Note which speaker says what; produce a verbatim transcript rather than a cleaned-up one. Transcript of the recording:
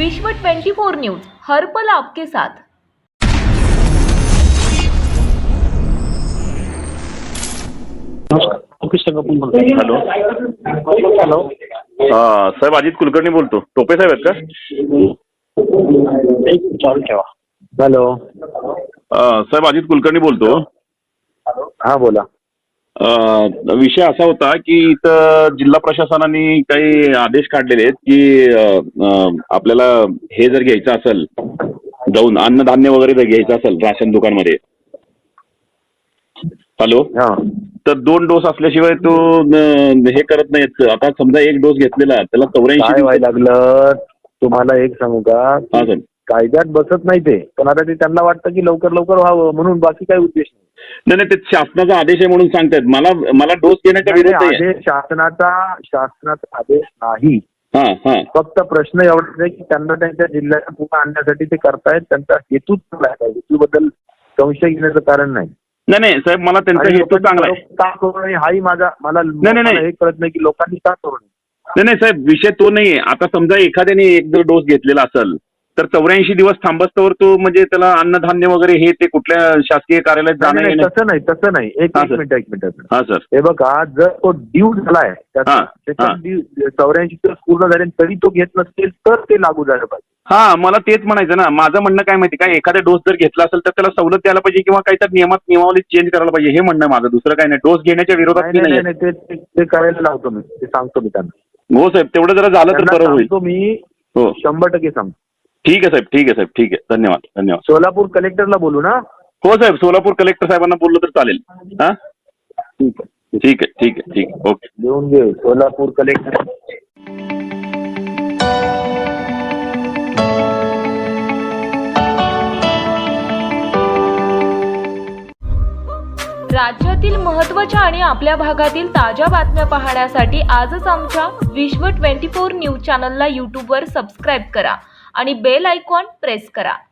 Speaker 1: विश्व चोवीस न्यूज, हर पल आपके साथ।
Speaker 2: हॅलो
Speaker 3: हॅलो
Speaker 2: हा साहेब, अजित कुलकर्णी बोलतो. टोपे साहेब आहेत का?
Speaker 3: एक चालू ठेवा. हॅलो
Speaker 2: अं, साहेब अजित कुलकर्णी बोलतो.
Speaker 3: हा बोला.
Speaker 2: अं, विषय असा होता की इथं जिल्हा प्रशासनाने काही आदेश काढलेले आहेत की अं, अं, आपल्याला हे जर घ्यायचं असेल, जाऊन अन्नधान्य वगैरे जर घ्यायचं असेल राशन दुकानमध्ये, हॅलो,
Speaker 3: हा
Speaker 2: तर दोन डोस असल्याशिवाय तो अं, हे करत नाहीत. आता समजा एक डोस घेतलेला त्याला चौऱ्याऐंशी
Speaker 3: काय व्हायला लागलं तुम्हाला एक सांगू का?
Speaker 2: हा सर.
Speaker 3: कायद्यात बसत नाही ते, पण आता ते त्यांना वाटतं की लवकर लवकर व्हावं म्हणून, बाकी काही उद्देश नाही.
Speaker 2: नाही नाही, ते शासनाचा आदेश आहे म्हणून सांगतायत. मला मला डोस घेण्याचा
Speaker 3: नाही,
Speaker 2: विरोध आहे.
Speaker 3: आदेश शासनाचा शासनाचा आदेश नाही.
Speaker 2: हा हा
Speaker 3: फक्त प्रश्न एवढाच आहे की त्यांना त्यांच्या जिल्ह्यात पुन्हा आणण्यासाठी ते करतायत. त्यांचा हेतूच चांगला आहे, हेतूबद्दल संशय घेण्याचं कारण नाही.
Speaker 2: नाही नाही साहेब, मला त्यांचा
Speaker 3: आणि
Speaker 2: हेतू
Speaker 3: लोकांनी
Speaker 2: चांगला आहे.
Speaker 3: का करू नये हाही माझा मला
Speaker 2: नाही, नाही.
Speaker 3: मला हे कळत नाही की लोकांनी का करू नये.
Speaker 2: नाही नाही साहेब, विषय तो नाहीये. आता समजा एखाद्याने एक जर डोस घेतलेला असेल तर चौऱ्याऐंशी दिवस थांबस्तवर तो म्हणजे त्याला अन्नधान्य वगैरे हे ते कुठल्या शासकीय कार्यालयात
Speaker 3: नाही,
Speaker 2: जाणं
Speaker 3: नाही,
Speaker 2: येणं.
Speaker 3: तसं नाही तसं नाही एक
Speaker 2: हा,
Speaker 3: एक
Speaker 2: सर.
Speaker 3: मिनिट एक मिनिट
Speaker 2: हा सर.
Speaker 3: हे बघा, जर तो ड्यू झालाय
Speaker 2: हा, हा.
Speaker 3: चौऱ्याऐंशी दिवस पूर्ण झाले तरी तो घेत नसेल तर ते लागू झालं पाहिजे.
Speaker 2: हा, मला तेच म्हणायचं ना. माझं म्हणणं काय माहिती काय, एखादा डोस जर घेतला असेल तर त्याला सवलत द्यायला पाहिजे किंवा काहीतरी नियमात नियमावली चेंज करायला पाहिजे, हे म्हणणं माझं. दुसरं काय नाही. डोस घेण्याच्या विरोधात
Speaker 3: नाही
Speaker 2: मी
Speaker 3: नाही
Speaker 2: नाही.
Speaker 3: नाही, ते ते- ते करायला लावतो मी, ते सांगतो मी त्यांना.
Speaker 2: हो साहेब, तेवढं जरा झालं तर
Speaker 3: त्यांना
Speaker 2: बरं होईल.
Speaker 3: सांगतो मी,
Speaker 2: हो,
Speaker 3: शंभर टक्के सांगतो.
Speaker 2: ठीक आहे साहेब, ठीक आहे साहेब, ठीक आहे. धन्यवाद धन्यवाद.
Speaker 3: सोलापूर कलेक्टरला बोलू ना?
Speaker 2: हो साहेब, सोलापूर कलेक्टर साहेबांना बोललं तर चालेल. हा,
Speaker 3: ठीक आहे,
Speaker 2: ठीक आहे ठीक आहे ठीक आहे. ओके.
Speaker 3: देऊन घे सोलापूर कलेक्टर.
Speaker 1: राज्यातील महत्त्वाच्या आणि आपल्या भागातील ताज्या बातम्या पाहण्यासाठी आजच आमच्या विश्व चोवीस न्यूज चॅनलला यूट्यूबवर सबस्क्राईब करा आणि बेल आयकॉन प्रेस करा.